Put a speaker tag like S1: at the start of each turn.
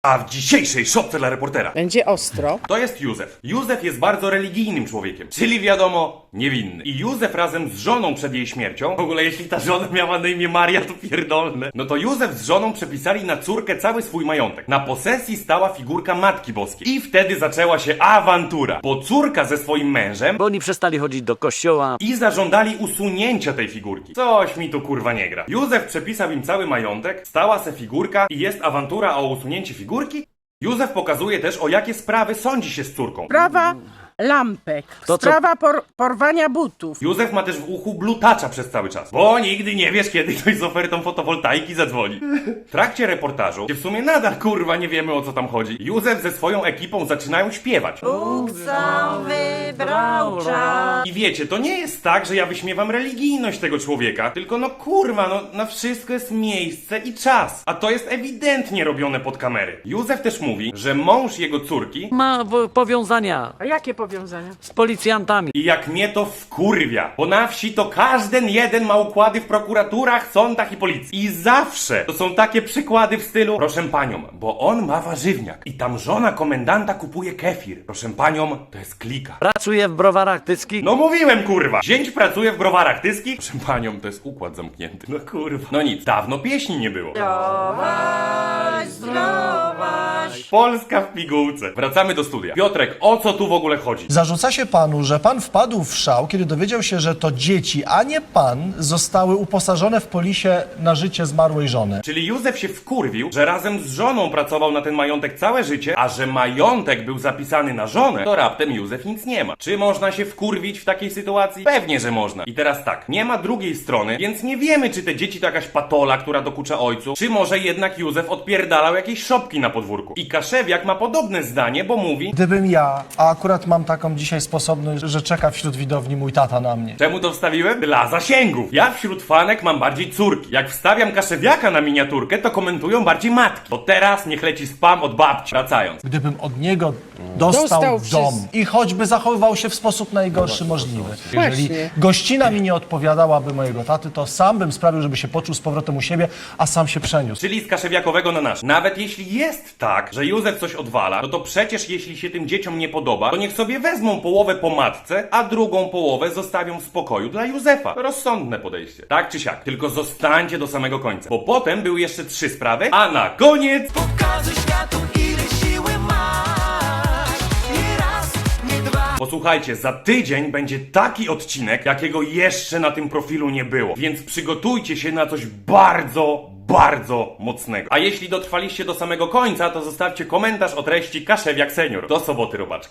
S1: A w dzisiejszej szopce dla reportera
S2: Będzie ostro.
S1: to jest Józef. Józef jest bardzo religijnym człowiekiem, czyli wiadomo, niewinny. I Józef razem z żoną przed jej śmiercią, w ogóle jeśli ta żona miała na imię Maria, to pierdolne. No to Józef z żoną przepisali na córkę cały swój majątek. Na posesji stała figurka Matki Boskiej. I wtedy zaczęła się awantura, bo córka ze swoim mężem
S3: Bo oni przestali chodzić do kościoła.
S1: i zażądali usunięcia tej figurki. Coś mi tu kurwa nie gra. Józef przepisał im cały majątek, stała se figurka i jest awantura o usunięcie figurki. Józef pokazuje też, o jakie sprawy sądzi się z córką.
S2: Sprawa lampek.
S3: To co?
S2: Sprawa porwania butów.
S1: Józef ma też w uchu blutacza przez cały czas, bo nigdy nie wiesz, kiedy ktoś z ofertą fotowoltaiki zadzwoni. W trakcie reportażu, gdzie w sumie nadal kurwa nie wiemy, o co tam chodzi, Józef ze swoją ekipą zaczynają śpiewać. I wiecie, to nie jest tak, że ja wyśmiewam religijność tego człowieka, tylko no kurwa, no na wszystko jest miejsce i czas. A to jest ewidentnie robione pod kamery. Józef też mówi, że mąż jego córki
S3: Ma powiązania
S2: A jakie powiązania?
S3: z policjantami.
S1: i jak mnie to wkurwia, bo na wsi to każdy jeden ma układy w prokuraturach, sądach i policji. I zawsze to są takie przykłady w stylu: proszę panią, bo on ma warzywniak i tam żona komendanta kupuje kefir. Proszę panią, to jest klika.
S3: Pracuje w browarach tyckich.
S1: No mówiłem, kurwa! Zięć pracuje w browarach tyskich? Proszę panią, to jest układ zamknięty. No kurwa. No nic, dawno pieśni nie było. Polska w pigułce. Wracamy do studia. Piotrek, o co tu w ogóle chodzi?
S4: Zarzuca się panu, że pan wpadł w szał, kiedy dowiedział się, że to dzieci, a nie pan, zostały uposażone w polisie na życie zmarłej żony.
S1: Czyli Józef się wkurwił, że razem z żoną pracował na ten majątek całe życie, a że majątek był zapisany na żonę, to raptem Józef nic nie ma. Czy można się wkurwić w takiej sytuacji? Pewnie, że można. I teraz tak, nie ma drugiej strony, więc nie wiemy, czy te dzieci to jakaś patola, która dokucza ojcu, czy może jednak Józef odpierdalał jakieś szopki na podwórku. I Kaszewiak ma podobne zdanie, bo mówi:
S4: Gdybym ja, a akurat mam taką dzisiaj sposobność, że czeka wśród widowni mój tata na mnie.
S1: czemu to wstawiłem? Dla zasięgów. Ja wśród fanek mam bardziej córki. Jak wstawiam Kaszewiaka na miniaturkę, to komentują bardziej matki. Bo teraz niech leci spam od babci. Wracając.
S4: Gdybym od niego dostał dom i choćby zachowywał się w sposób najgorszy możliwy. Jeżeli
S2: Właśnie.
S4: gościna mi nie odpowiadałaby mojego taty, to sam bym sprawił, żeby się poczuł z powrotem u siebie, a sam się przeniósł.
S1: Czyli z kaszewiakowego na nasz. Nawet jeśli jest tak, że Józef coś odwala, no to przecież jeśli się tym dzieciom nie podoba, to niech sobie wezmą połowę po matce, a drugą połowę zostawią w spokoju dla Józefa. Rozsądne podejście. Tak czy siak. Tylko zostańcie do samego końca. Bo potem były jeszcze 3 sprawy, a na koniec...
S5: Pokazuj światu, ile siły masz. Nie raz, nie dwa.
S1: Posłuchajcie, za tydzień będzie taki odcinek, jakiego jeszcze na tym profilu nie było. Więc przygotujcie się na coś bardzo mocnego. A jeśli dotrwaliście do samego końca, to zostawcie komentarz o treści Kaszewiak Senior. Do soboty, robaczki.